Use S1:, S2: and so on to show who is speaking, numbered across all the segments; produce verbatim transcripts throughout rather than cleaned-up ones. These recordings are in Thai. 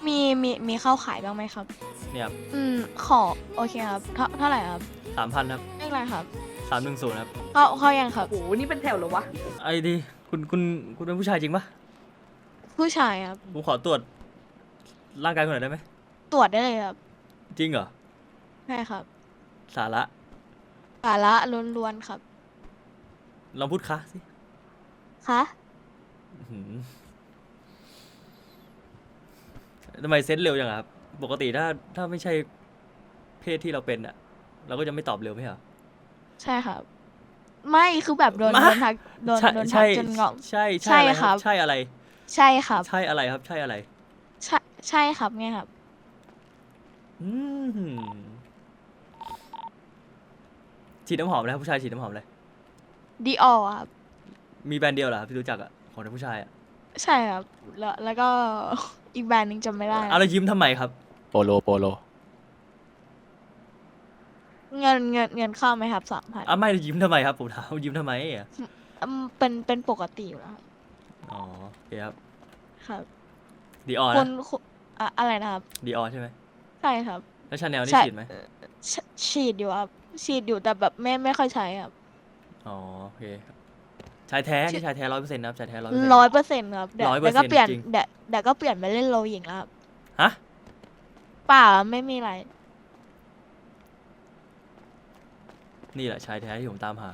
S1: มีมีมีเข้าขายบ้างไหมครับ
S2: เนี่ยครับ
S1: อืมขอโอเคครับเท่าเท่าไหร่ครับ
S2: สามพันครับ
S1: เลขอะไรครับ
S2: สามหนึ่งศูนย์ครับ
S1: เข้าเข้ายังครับ
S3: โอ้โหนี่เป็นแถวเหรอวะ
S2: ไอ้ดีคุณคุณคุณเป็นผู้ชายจริงปะ
S1: ผู้ชายครับ
S2: ผมขอตรวจร่างกายคุณหน่อยได้ไหม
S1: ตรวจได้เลยครับ
S2: จริงเหรอ
S1: ใช่ครับ
S2: สาระ
S1: สาระล้วนๆครับ
S2: ลองพูดคะสิ
S1: คะ
S2: อื้อหือทำไมเซนส์เร็วจังอะครับ ปกติถ้าถ้าไม่ใช่เพศที่เราเป็นอะเราก็จะไม่ตอบเร็วไม่เหรอ
S1: ใช่ครับ ไม่คือแบบโดน
S2: มา
S1: โดนทักโดน
S2: ใช่
S1: โดนทั
S2: ใช่
S1: กจนงอก
S2: ใช่
S1: ใช่
S2: อะไร
S1: ครับ
S2: ใช่อะไร
S1: ใช่ครับ
S2: ใช่อะไรครับ ใช่อะไร
S1: ใช่ใช่ครับไงครับ
S2: อืมฉีดน้ำหอมเลยครับผู้ชายฉีดน้ำหอมเลย
S1: ดีออครับ
S2: มีแบรนด์เดียวเหรอครับที่รู้จักอะของผู้ชายอะ
S1: ใช่ครับ แล้วแล้วก็ อีกแบรนด์หนึงจำไม่ได้
S2: เอาแล้วยิ้มทำไมครับ
S4: โปโลโปโล
S1: เงินเงินเงินเข้าไหมครับสามพัน
S2: อ่ะไม่ยิ้มทำไมครับผมถามยิ้มทำไมอะ
S1: เป็นเป็นปกติอยู่แล้วครับ
S2: อ๋อโอเคครับ
S1: ครับ
S2: ดีออ
S1: คุ
S2: นะ
S1: ณคุณอะอะไรนะครับ
S2: ดีออใช่ไหม
S1: ใช่ครับ
S2: แล้วชาแนลนี่
S1: ใช่
S2: ฉีดไหม
S1: ชฉีดอยู่ครับ ฉีดอยู่แต่แบบไม่ไม่ค่อยใช้ครับ
S2: อ๋อโอเคครับชายแท้
S1: ฉี
S2: นี่
S1: ด
S2: ชายแท้ร้อยเปอร์เซ็นต์นะครับชายแท้ร้อยเปอร์เซ็นต์
S1: ร้อยเปอร์เซ็นต์ครับเดี๋ยว
S2: ร้อยเปอ
S1: เดี๋
S2: ร์
S1: ยว
S2: เซ็นต์
S1: ก็เปลี่ยน
S2: จริง
S1: เดี๋ยวเดี๋ยวก็เปลี่ยนไปเล่นโลหญิงแล้วครับ
S2: ฮะ
S1: เปล่าไม่มีอะไร
S2: นี่แหละชายแท้ที่ผมตามหา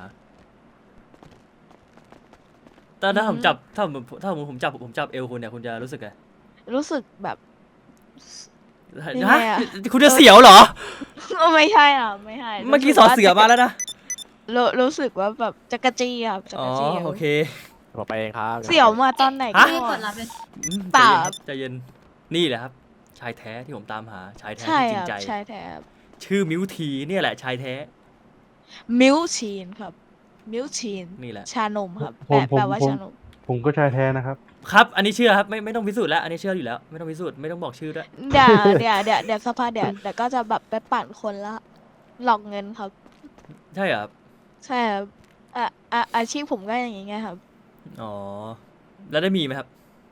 S2: แต่ถ้าผม
S1: อืม
S2: จับถ้าผมถ้าผมผมจับผมจับเอวคุณเนี่ยคุณจะรู้สึกไง
S1: รู้สึกแบบ ยัง
S2: ฮะ
S1: ไงอะ
S2: คุณจะเสียวเหรอ
S1: ไม่ใช่อ่ะไม่ใช่
S2: เมื่อกี้
S1: รู้
S2: ส
S1: สึ
S2: อ
S1: ว่า
S2: เสือมาแล้วนะ
S1: รู้รู้สึกว่าแบบจะกระจี้ครับจะ
S2: อ๋
S1: ก
S2: อ
S1: ระจี้
S2: โอเค
S4: ผมไปเองครับ
S1: เสี่ยวมาตอนไหน
S2: ฮะ
S1: ก่
S5: ไม่
S1: อก น
S5: ดรับเลย
S2: อืม
S1: เปล่า
S2: ใจเย็นครับใจเย็นนี่แหละครับ ชายแท้ที่ผมตามหาชายแท้
S1: ใช่
S2: ที่จริ
S1: ครั
S2: ง
S1: บ
S2: ใจ
S1: ใช่แท้ครับ
S2: ชื่อมิวทีเนี่ยแหละชายแท้
S1: มิลชีนครับ มิลชีน
S2: นี่แหละ
S1: ชานมครับ
S6: ผม
S1: แปล
S6: ผม
S1: แปลว่า
S6: ผม
S1: ชานม
S6: ผมก็ชายแท้นะครับ
S2: ครับ อันนี้เชื่อครับไม่ไม่ต้องพิสูจน์แล้ว อันนี้เชื่ออยู่แล้ว ไม่ต้องพิสูจน์ไม่ต้องบอกชื่อด้วย
S1: เดี๋ยวเดี๋ยวเดี๋ยวเดี๋ยวสภาเดี๋ยวเดี๋ยวก็จะแบบไปปั่นคนละหลอกเงินครับ
S2: ใช่เหรอครับ
S1: ใช่ครับอ่ะอ่ะอาชีพผมก็อย่างงี้ไงครับ
S2: อ๋อ แล้วได้มีไหมครับ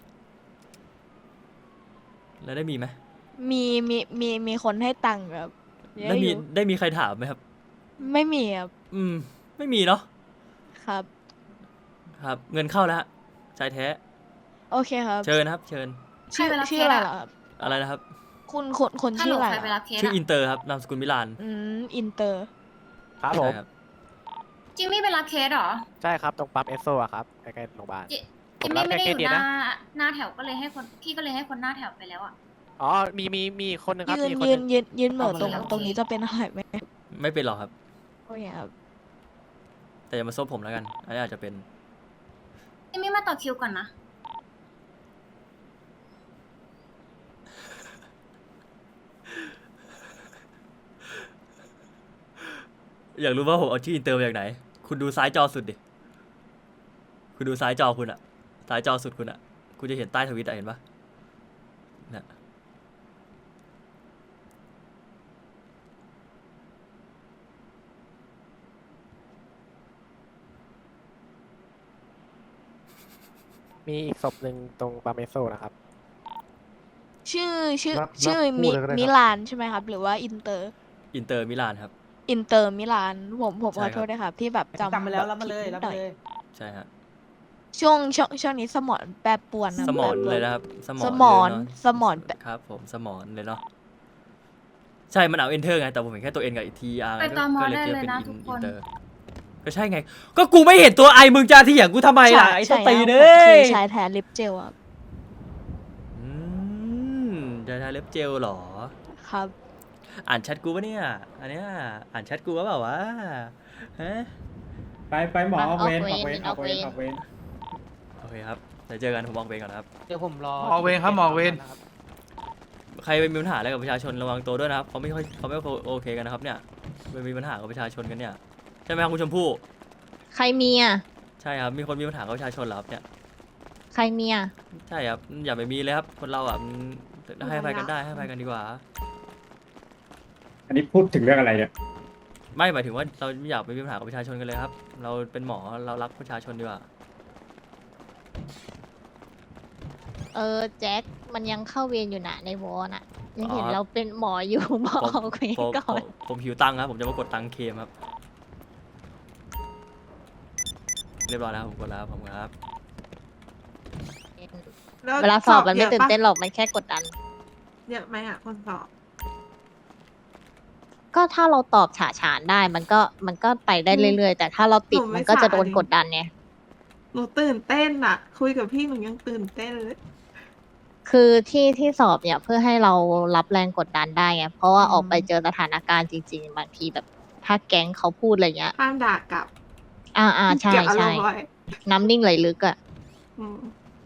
S2: แล้วได้มีไหม
S1: มีมีมีมีคนให้ตังค์ครับเย
S2: ได้
S1: อะอ
S2: มี
S1: ยู่
S2: ได้มีใครถามไหมครับ
S1: ไม่มีครับ
S2: อืม ไม่มีเนาะ
S1: ครับ
S2: ครับ เงินเข้าแล้วฮะชายแท้
S1: โอเคครับ
S2: เชิญนะครับ เชิญ
S1: ชื่อ
S5: ใครไปรับ
S1: ชื่ออะไร
S5: เคสอะ
S1: เหรอครับ
S2: อะไรนะครับ
S1: คุณคุณคน
S5: ฮัล
S1: ชื่
S5: โห
S1: อ
S5: ล
S1: อะไร
S5: ใคร
S1: เห
S5: ไป
S1: รอ
S5: รับเคส
S2: ชื่อ
S5: อะ
S2: อินเตอร์ครับนามสกุลมิลาน
S1: อืมอินเตอร์
S4: ครับผม
S2: ใช่ครับ
S5: จิมมี่ไปรับเคสเหรอ
S4: ใช่ครับ ตรงปั๊มเอสโซอะครับ ใกล้ๆโรงพยาบาล
S5: จิ
S4: ผ
S5: จิ
S4: ม
S5: ม
S4: รั
S5: มี่
S4: บ
S5: ไม่ได้
S4: แค่
S5: อยู่
S4: เคส
S5: ห
S4: นี้
S5: น้า
S4: นะ
S5: หน้าแถวก็เลยให้คนพี่ก็เลยให้คนหน้าแถวไปแล้วอ่ะ
S4: อ๋อ มีมีมีคนหนึงครับ
S1: ยืน
S4: มีคน
S1: ยื
S4: หนึ
S1: น
S4: ง
S1: ยืนยืนเหม่อ
S4: เอามา
S1: ตรง
S4: แล้ว
S1: ตรงนี้จะเป็นอะไรไหม
S2: ไม่เป็นหรอกครับ
S1: โอเคครับ
S2: แต่อย่ามาซบผมแล้วกัน อันนี้อาจจะเป็น
S5: จิมมี่มาต่อคิวก่อนนะ
S2: อยากรู้ว่าผมเอาชื่ออินเตอร์มาจากไหน คุณดูซ้ายจอสุดดิ คุณดูซ้ายจอคุณอะซ้ายจอสุดคุณอะคุณจะเห็นใต้ทวิตอะเห็นปะน่ะ
S4: มีอีกศพหนึ่งตรงปั๊มเอสโซนะครับ
S1: ชื่อชื่อ
S6: รับ
S1: ชื่อ
S6: รับพู
S1: มิ
S6: ดเลยก็ได้ครับ
S1: มิลานใช่ไหมครับ หรือว่าอินเตอร์
S2: อินเตอร์มิลานครับ
S1: อินเตอร์มิลานผมผม
S2: ใช่
S1: ขอ
S2: ครับ
S1: โทษด้วยครับ ที่แบบจำ
S3: จำไปแล้ว
S1: บบ
S3: รับมาเลย
S1: ผิด
S3: รับ
S1: นิดห
S3: มา
S1: น่อย
S3: เลย
S2: ใช่ฮะ
S1: ช่วงช่วงช่วงนี้สมองแปรปรวนครับ
S2: สมอน
S1: แปรปรว
S2: เลยนะครับ สมอน
S1: สมอน
S2: เลยเะ
S1: สมอนแปร
S2: ครับผม สมอนเลยเนาะ ใช่ มันเอาเอนเตอร์ไง แต่ผมเห็นแค่ตัวเอ็นกับทีอาร์
S5: ไปตอมอ
S2: ก็เลย
S5: ได้
S2: คิด
S5: เลย
S2: ว่าเป็น
S5: นะ
S2: อิน
S5: ทุกค
S2: อิ
S5: น
S2: นเตอร์ ก็ใช่ไง ก็กูไม่เห็นตัวไอมึงจะเถียงกูทำไมล่ะไอ้ส
S1: ใช่
S2: ตี
S1: ครับ
S2: เน
S1: ผม
S2: ย
S1: คือชายแท้ลิปเจลครับ
S2: อืมจะทาเล็บเจลเหรอ
S1: ครับ
S2: อ่านแชทกูปะเนี่ย อันเนี้ยอ่านแชทกูปะเปล่าวะฮะ
S7: ไปไปหมอ
S8: มัน
S7: ออกเวร
S8: อ
S7: อ
S8: อ
S7: อก ก
S8: เว
S7: เว
S8: ร
S7: รออกเวร
S8: อ
S7: อ
S8: อ
S7: อก ก
S8: เว
S7: เว
S8: ร
S7: ร
S2: โอเคครับเดี๋ยวเจอกันผมวางเวรก่อนนะครับ
S3: เดี๋ยวผมรอ
S7: หมอเวรครับหมอเวร
S2: ใครไปมีปัญหาอะไรกับประชาชนระวังตัวด้วยนะครับเขาไม่ค่อยเขาไม่โอเคกันนะครับเนี่ยไปมีปัญหากับประชาชนกันเนี่ยใช่ไหมครับคุณชมพู่
S8: ใครมีอ่ะ
S2: ใช่ครับมีคนมีปัญหากับประชาชนเหรอครับเนี่ย
S8: ใครมีอ่ะ
S2: ใช่ครับอย่าไปมีเลยครับคนเราอ่ะมันให้อภัยกันได้ให้อภัยกันดีกว่า
S7: อันนี้พูดถึงเรื่องอะไรเนี่ย
S2: ไม่หมายถึงว่าเราไม่อยากไปมีปัญหากับประชาชนกันเลยครับ เราเป็นหมอเรารักประชาชนดีกว่า
S8: เเออแจ็คมันยังเข้าเวรอยู่นะในวอน่ะยังเห็น
S2: อ๋อ
S8: เราเป็นหมออยู่ หมอ
S2: ผม
S8: เอาเคว
S2: ผม
S8: ก่อ
S2: ผม
S8: น
S2: ผมหิวตังค์ครับผมจะมากดตังค์เคมครับเรียบร้อยแล้วผมกดแล้วผมครับ
S3: แล้ว
S8: เวลาสอบมันไม่
S3: ยะ
S8: ตื่น
S3: ปะ
S8: เต้นหรอกมันแค่กดดัน
S3: เยอะไหมอ่ะคนสอบ
S8: ก็ถ้าเราตอบฉาฉานได้มันก็มันก็ไปได้เรื่อยๆ แต่ถ้าเราติดมันก็จะโดนกดดันไง
S3: หนูตื่นเต้นอ่ะ คุยกับพี่หนูยังตื่นเต้นเลย
S8: คือที่ที่สอบเนี่ยเพื่อให้เรารับแรงกดดันได้ไงเพราะว่า
S3: อืม
S8: ออกไปเจอสถานการณ์จริง ๆ บางทีแบบถ้าแก๊งเขาพูดอะไรเงี้ย
S3: ห้ามด่ากลับ
S8: อ่าอ่าใช่
S3: เก็บอาร
S8: ใช่
S3: มณ์ไว้
S8: น้ำนิ่งไหลลึกอะ
S3: อืม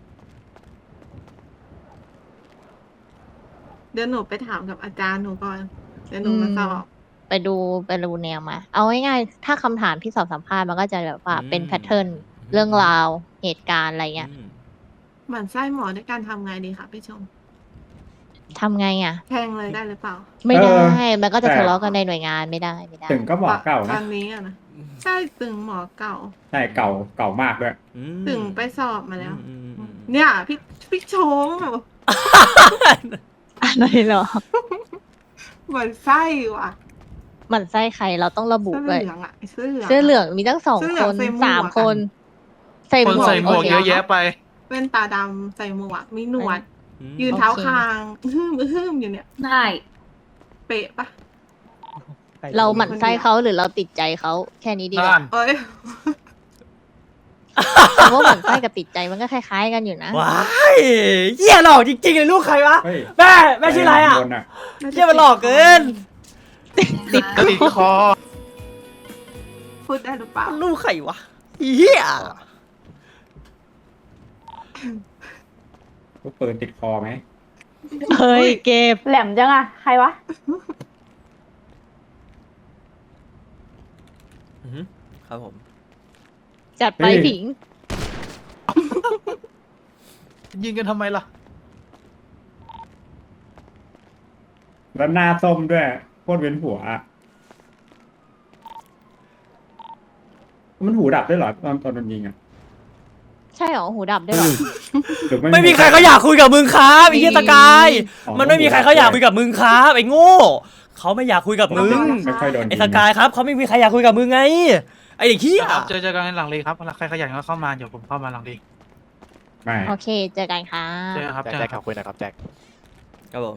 S3: เดี๋ยวหนูไปถามกับอาจารย์หนูก่อน เดี๋ยวหนูมาสอบ
S8: ไปดูไปดูแนวมา เอาง่ายๆถ้าคำถามที่สอบสัมภาษณ์มันก็จะแบบว่า
S2: อืม
S8: เป็นแพทเทิร์นเรื่องราวเหตุการณ์อะไรเงี้ย
S2: อืม
S3: หมั่นไส้หมอด้วยการทำไงดีคะพี่ชม
S8: ทำไงอะ
S3: แทงเลยได้หรือเปล่า
S8: ไม่ได้
S7: เออ
S8: มันก็จะ
S7: แต่
S8: ทะเลาะกันในหน่วยงานไม่ได้ไม่ได้
S7: ถึงก็หมอเก่า
S3: ต
S7: นะ
S3: อนนี้อะนะ ใช่ตึงหมอเก่า
S7: ใช่เก่าเก่ามากด้วย
S2: อืม
S3: ตึงไปสอบมาแล้ว
S2: อืมอืมอืม
S3: เนี่ย พี่พี่ชม
S8: อะไรเหรอ
S3: เหมือนไส้ว่ะ
S8: หมันไส้ใครเราต้องระบุ
S3: เสื้อ
S8: ด้วย
S3: เหลืองอ่ะไอ้เสื้อเหลืองะ
S8: เสื้อเหลืองมีตั้งสอง
S3: เสื้อเหลื
S8: ค
S3: อง
S8: น
S3: ใส่หมวก
S8: สาม
S3: อะ
S8: คน ใส่ห
S6: ค
S8: ม
S6: น
S8: วก
S6: ใส่หมวก
S8: โค
S6: เยอะแยะไป
S3: เป็นตาดำใส่หมวกมีหนวด
S2: อืม
S3: ยืนเท้าคางอื้อหืมอื้อหืมอยู่เนี่ย
S5: ได้
S3: เป๊ะปะ
S8: เราหมั่นไส้เขาหรือเราติดใจเขาแค่นี้ดีก
S6: นั่
S8: ว่า
S6: น
S3: เอ้ย
S8: เพราะว่าหมั่นไส้กับติดใจมันก็คล้ายๆกันอยู่นะ
S2: ว้ายเหี้ยหลอกจริงๆเลยลูกใครวะ
S7: เฮ้ย
S2: แม่แม่ชื่ออะไรอ่ะ
S7: โดน
S2: เหี้ยมันหลอกเกิน
S8: ติด
S6: ติดคอ
S3: พูดได้หรือเปล่า
S2: ลูกใครวะเหี้ย
S7: ลูกปืนติดคอไหม
S8: เฮ้ยเก็บ
S9: แหลมจังอะใครวะ
S2: อือหือครับผม
S8: จัดไปผิง
S6: ยิงกันทำไมล่ะ
S7: แล้วหน้าส้มด้วยโคตรเว้นหัวอะมันหูดับด้วยเหรอตอนตอนโดนยิงอะ
S8: ใช่เหรอหูดับด้วยเหรอ
S7: หรือ
S2: ไม่มีใครเขาอยากคุยกับมึงครับไอ้เหี้ยตะกาย
S7: อ๋อ
S2: มันไม่มีใครเขาอยากคุยกับมึงครับไอ้โง่เขาไม่อยากคุยกับมึง
S7: ไม่ค่อยโดนยิง
S2: ไอ้ตะกายครับเขาไม่มีใครอยากคุยกับมึงไงไอ้เด็กเหี้ย
S6: ครับเจอเจอกันหลังเลยครับใครขยันก็เข้ามาเดี๋ยวผมเข้ามาหลังดี
S7: ไม่
S8: โอเค เจอกันค่ะ
S6: เจอกันครับ
S4: แจ็ค
S6: เจอ
S4: แจ็
S6: กั
S4: คน
S6: ค
S4: ขั
S6: รั
S4: บบ คุยนะครับแจ็ค
S2: ครับผม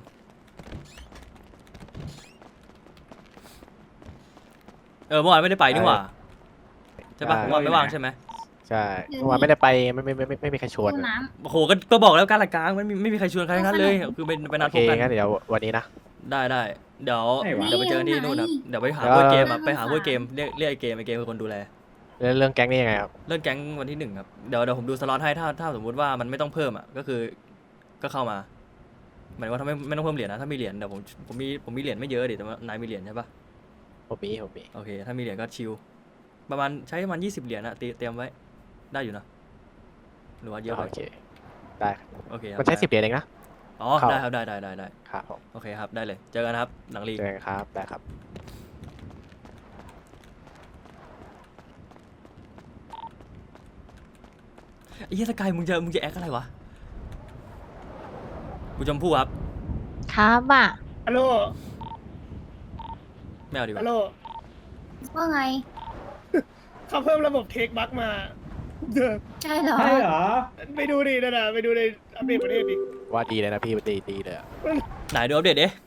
S2: เออเมื่อวานไม่ได้ไปนี่หว่าใช่ปะเมื่อวานไม่ว่างใช่ไหม
S4: ใช่เมื่อวานไม่ได้ไปไม่ไม่ไม่ไม่ไม่มีใครชวน
S5: ตู้
S4: นะ
S5: น้
S2: โอ้โหก็ก็บอกแล้วการละกลางมันไม่ไม่มีใครชวนใครทั้งนั้นเลยคือเป็นเป็นนั
S4: โอ
S2: ด
S4: เค
S2: พบกัน
S4: งั้นเดี๋ยววันนี้นะ
S2: ได้ได้เดี๋ยว
S7: ไม่วะ
S2: เดี๋ยวไปเจอกันที่นู่นครับเดี๋ยวไปหา
S4: เออ
S2: พวกเกมอะไปหาพวกเกมเรียกเรียกไอ้เกมไอ้เกมเป็นคนดูแล
S4: แล้วเรื่องแก๊งนี่ยังไงครับ
S2: เรื่องแก๊งวันที่หนึ่งครับเดี๋ยวเดี๋ยวผมดูสล็อตให้ถ้าถ้าสมมติว่ามันไม่ต้องเพิ่มอ่ะก็คือก็เข้ามาหมายถึงว่าถ้าไม่ไม่ต้องเพิ่มเหรียญนะถ้ามีเหรียญเดี๋ยวผมผมมีผมมีเหรียญไม่เยอะดิแต่ว่านายมีเหรียญใช่ปะ
S4: ผมมีผมมี
S2: โอเคถ้ามีเหรียญก็ชิลประมาณใช้ประมาณยี่สิบเหรียญอะเตรียเตรียมไว้ได้อยู่นะหรือว่าเยอะไป
S4: โอเคได้ครับ
S2: โอเคครับ
S4: มันใช้สิบเหรียญเองนะ
S2: อ๋อ
S4: เข้า
S2: ได้ครับได้ได้ได้ได้
S4: ครับผม
S2: โอเคครับได้เลยเจอกันครับหลังลีก
S4: เจอกันครับได้ครับ
S2: ไอ้เหี้ยสกายมึงจะมึงจะแอคอะไรวะกูชมพู่ครับ
S8: ครับอ่ะ
S9: ฮัลโหล
S2: ไม่เอาดีกว่า
S9: ฮัลโหล
S5: ำว่าไง
S9: เขาเพิ่มระบบเทคบัคมาเด้อ
S5: ใช่เหรอ
S7: ใช่เหรอ
S9: ไปดูดินะนะไปดูในอัปเดตประเทศดิ
S4: ว่าดีเลยนะพี่ดีดีเลยอะ
S2: ไหนดูอัปเดตดิ